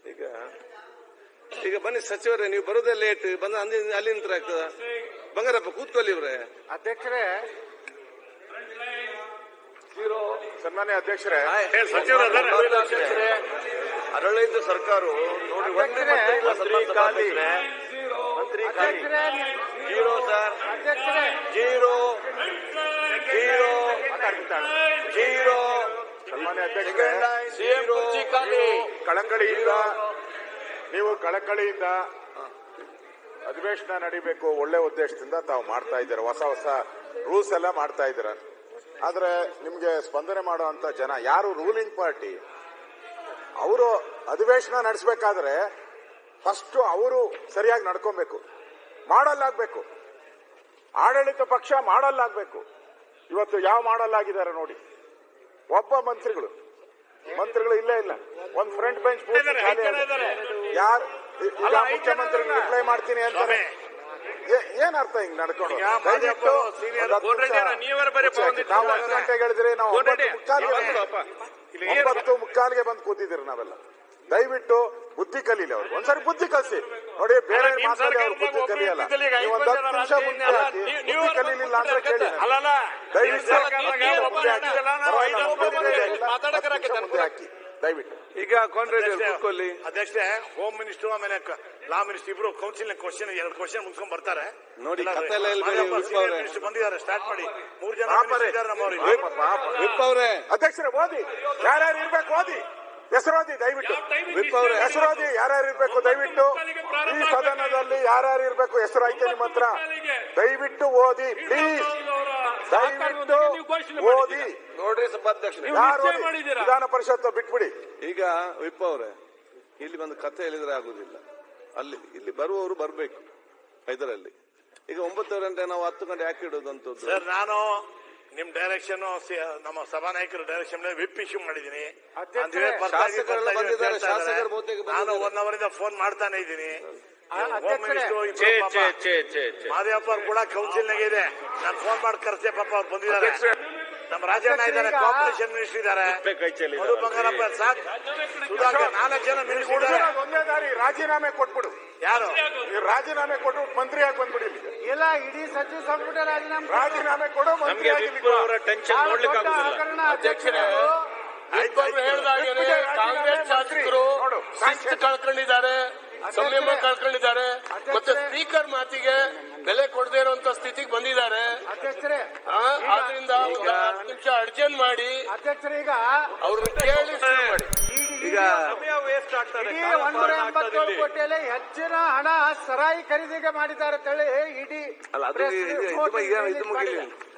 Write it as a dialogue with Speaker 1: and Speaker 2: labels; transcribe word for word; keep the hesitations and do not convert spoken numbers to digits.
Speaker 1: ಈಗ ಈಗ ಬನ್ನಿ ಸಚಿವರೇ, ನೀವು ಬರೋದೇ ಲೇಟ್, ಬಂದ ಅಲ್ಲಿ ನಿಂತರ ಆಗ್ತದ? ಬಂಗಾರಪ್ಪ ಕೂತ್ಕೊಳ್ಳಿ ಇವ್ರೆ.
Speaker 2: ಅಧ್ಯಕ್ಷರೇ, ಸನ್ಮಾನ್ಯ ಅಧ್ಯಕ್ಷರೇ,
Speaker 1: ಆಡಳಿತ ಸರ್ಕಾರ ನೋಡಿ ಮಂತ್ರಿ ಖಾಲಿ, ಮಂತ್ರಿ ಖಾಲಿ, zero sir, zero zero zero.
Speaker 2: ಸನ್ಮಾನ್ಯ ಅಧ್ಯಕ್ಷರೇ, ಕಳಕಳಿಯಿಂದ ನೀವು ಕಳಕಳಿಯಿಂದ ಅಧಿವೇಶನ ನಡೀಬೇಕು ಒಳ್ಳೆ ಉದ್ದೇಶದಿಂದ ತಾವು ಮಾಡ್ತಾ ಇದ್ದೀರಾ, ಹೊಸ ಹೊಸ ರೂಲ್ಸ್ ಎಲ್ಲ ಮಾಡ್ತಾ ಇದ್ದೀರಾ. ಆದ್ರೆ ನಿಮ್ಗೆ ಸ್ಪಂದನೆ ಮಾಡುವಂತ ಜನ ಯಾರು ರೂಲಿಂಗ್ ಪಾರ್ಟಿ, ಅವರು ಅಧಿವೇಶನ ನಡೆಸಬೇಕಾದ್ರೆ ಫಸ್ಟ್ ಅವರು ಸರಿಯಾಗಿ ನಡ್ಕೊಬೇಕು, ಮಾಡಲ್ಲಾಗಬೇಕು. ಆಡಳಿತ ಪಕ್ಷ ಮಾಡಲ್ಲಾಗಬೇಕು. ಇವತ್ತು ಯಾವ ಮಾಡಲ್ಲಾಗಿದ್ದಾರೆ ನೋಡಿ, ಒಬ್ಬ ಮಂತ್ರಿಗಳು ಮಂತ್ರಿಗಳು ಇಲ್ಲೇ ಇಲ್ಲ, ಒಂದ್ ಫ್ರಂಟ್ ಬೆಂಚ್ ಯಾರು ಈಗ ಮುಖ್ಯಮಂತ್ರಿ ರಿಪ್ಲೈ ಮಾಡ್ತೀನಿ ಅಂತಾರೆ. ಏನ್ ಅರ್ಥ ಹಿಂಗ್ ನಡ್ಕೊಂಡು? ನಾವು ಹತ್ತು ಗಂಟೆಗೆ ಹೇಳಿದ್ರಿ, ನಾವು ಒಂಬತ್ತು ಮುಕ್ಕಾಲ್ಗೆ ಒಂಬತ್ತು ಮುಕ್ಕಾಲ್ಗೆ ಬಂದು ಕೂತಿದ್ದೀರಿ ನಾವೆಲ್ಲ. ದಯವಿಟ್ಟು ಬುದ್ಧಿ ಕಲೀಲಿ ಅವ್ರಿಗೆ, ಒಂದ್ಸರಿ ಬುದ್ಧಿ ಕಲಿಸಿ ನೋಡಿ. ಬೇರೆ ಮಾತಾಡಿ ಅವ್ರು ಬುದ್ಧಿ ಕಲಿಯಲ್ಲ. ನೀವು ಒಂದ್ ಹತ್ತು ನಿಮಿಷ ಮುಂದೆ ಹಾಕಿ, ಬುದ್ಧಿ ಕಲೀಲಿಲ್ಲ ಅಂದ್ರೆ ಕೇಳಿ. ದಯವಿಟ್ಟು ಮುಂದೆ ಹಾಕಿ ದಯವಿಟ್ಟು.
Speaker 1: ಈಗ ಕೂತ್ಕೊಳ್ಳಿ
Speaker 3: ಅಧ್ಯಕ್ಷರೇ, ಹೋಮ್ ಮಿನಿಸ್ಟರ್ ಆಮೇಲೆ ಲಾ ಮಿನಿಸ್ಟರ್ ಇಬ್ರು ಕೌನ್ಸಿಲ್ ಕ್ವಶನ್ ಎರಡು ಕ್ವಶನ್ ಮುಗಿಸ್ಕೊಂಡ್ ಬರ್ತಾರೆ
Speaker 1: ನೋಡಿ.
Speaker 3: ಮಿನಿಸ್ಟರ್ ಬಂದಿದ್ದಾರೆ, ಸ್ಟಾರ್ಟ್ ಮಾಡಿ. ಮೂರು ಜನ
Speaker 1: ಅವರೇ
Speaker 2: ಅಧ್ಯಕ್ಷರೇ, ಓದಿ ಯಾರ್ಯಾರು ಇರ್ಬೇಕು, ಓದಿ ಹೆಸರು ಓದಿ ದಯವಿಟ್ಟು. ಹೆಸರು ಓದಿ ಯಾರ್ಯಾರು ಇರ್ಬೇಕು ದಯವಿಟ್ಟು. ಈ ಸದನದಲ್ಲಿ ಯಾರ್ಯಾರು ಇರ್ಬೇಕು ಹೆಸರು ಐತೆ ನಿಮ್ಮ ಹತ್ರ, ದಯವಿಟ್ಟು ಓದಿ ಪ್ಲೀಸ್, ದಯವಿಟ್ಟು ಓದಿ.
Speaker 1: ನೋಡ್ರಿ ಸಭಾಧ್ಯಕ್ಷ,
Speaker 2: ಯಾರು ವಿಧಾನ ಪರಿಷತ್ ಬಿಟ್ಬಿಡಿ.
Speaker 1: ಈಗ ವಿಪ್ ಅವರೇ, ಇಲ್ಲಿ ಬಂದು ಕಥೆ ಹೇಳಿದ್ರೆ ಆಗುದಿಲ್ಲ. ಅಲ್ಲಿ ಇಲ್ಲಿ ಬರುವವರು ಬರ್ಬೇಕು ಇದರಲ್ಲಿ. ಈಗ ಒಂಬತ್ತು ಗಂಟೆ ನಾವು ಹತ್ತು ಗಂಟೆ ಯಾಕೆ ಇಡೋದಂತದ್ದು?
Speaker 3: ಸರ್, ನಾನು ನಿಮ್ ಡೈರೆಕ್ಷನ್ ನಮ್ಮ ಸಭಾನಾಯಕರ ಡೈರೆಕ್ಷನ್ ವಿಪ್ ಇಶ್ಯೂ ಮಾಡಿದೀನಿ. ನಾನು ಒನ್ ಅವರ್ ಇಂದ ಫೋನ್ ಮಾಡ್ತಾನೆ ಇದ್ದೀನಿ. ಮಾದೇವಪ್ಪ ಅವ್ರು ಕೂಡ ಕೌನ್ಸಿಲ್ ನಾಗ ಇದೆ, ನಾನು ಫೋನ್ ಮಾಡಿ ಕರ್ಸೆ, ಪಾಪ ಅವ್ರು ಬಂದಿದ್ದಾರೆ. ನಮ್ಮ ರಾಜಣ್ಣ ಇದ್ದಾರೆ, ಕಾಂಪಿಟೇಷನ್ ಮಿನಿಸ್ಟರ್ ಇದ್ದಾರೆ, ಮಧು ಬಂಗಾರಪ್ಪ, ಸಾಕ್ ಸುಧಾಕರ್, ನಾಲ್ಕು ಜನ ಮಿನಿಸ್ಟರ್ ಇದ್ದಾರೆ.
Speaker 2: ಒಂದೇ ದಾರಿ, ರಾಜೀನಾಮೆ ಕೊಟ್ಬಿಡು.
Speaker 3: ಯಾರು
Speaker 2: ರಾಜೀನಾಮೆ ಕೊಟ್ಟು ಮಂತ್ರಿಯಾಗಿ ಬಂದ್ಬಿಡಿ.
Speaker 4: ಇಲ್ಲ, ಇಡೀ ಸಚಿವ ಸಂಪುಟ ರಾಜೀನಾಮೆ
Speaker 2: ರಾಜೀನಾಮೆ ಕೊಡು, ಮಂತ್ರಿಯಾಗಿ.
Speaker 5: ಕಾಂಗ್ರೆಸ್ ಶಾಸಕರು ಶಿಸ್ತು ಕಳ್ಕೊಂಡಿದ್ದಾರೆ, ಸಂಯಮ ಕಳ್ಕೊಂಡಿದ್ದಾರೆ, ಮತ್ತೆ ಸ್ಪೀಕರ್ ಮಾತಿಗೆ ಬೆಲೆ ಕೊಡದೇ ಇರುವಂತ ಸ್ಥಿತಿಗೆ ಬಂದಿದ್ದಾರೆ. ಆದ್ರಿಂದ ಒಂದು ಹತ್ತು ನಿಮಿಷ ಅರ್ಜೆಂಟ್ ಮಾಡಿ
Speaker 4: ಅಧ್ಯಕ್ಷರೀಗ
Speaker 5: ಅವ್ರನ್ನ ಕೇಳಿ ಶುರು ಮಾಡಿ.
Speaker 4: ಈಗ ಒಂದೂರ ಎಂಬತ್ತೇಳು ಕೋಟಿಯಲ್ಲಿ ಹೆಚ್ಚಿನ ಹಣ ಸರಾಯಿ ಖರೀದಿಗೆ ಮಾಡಿದ್ದಾರೆ ಅಂತೇಳಿ ಇಡೀ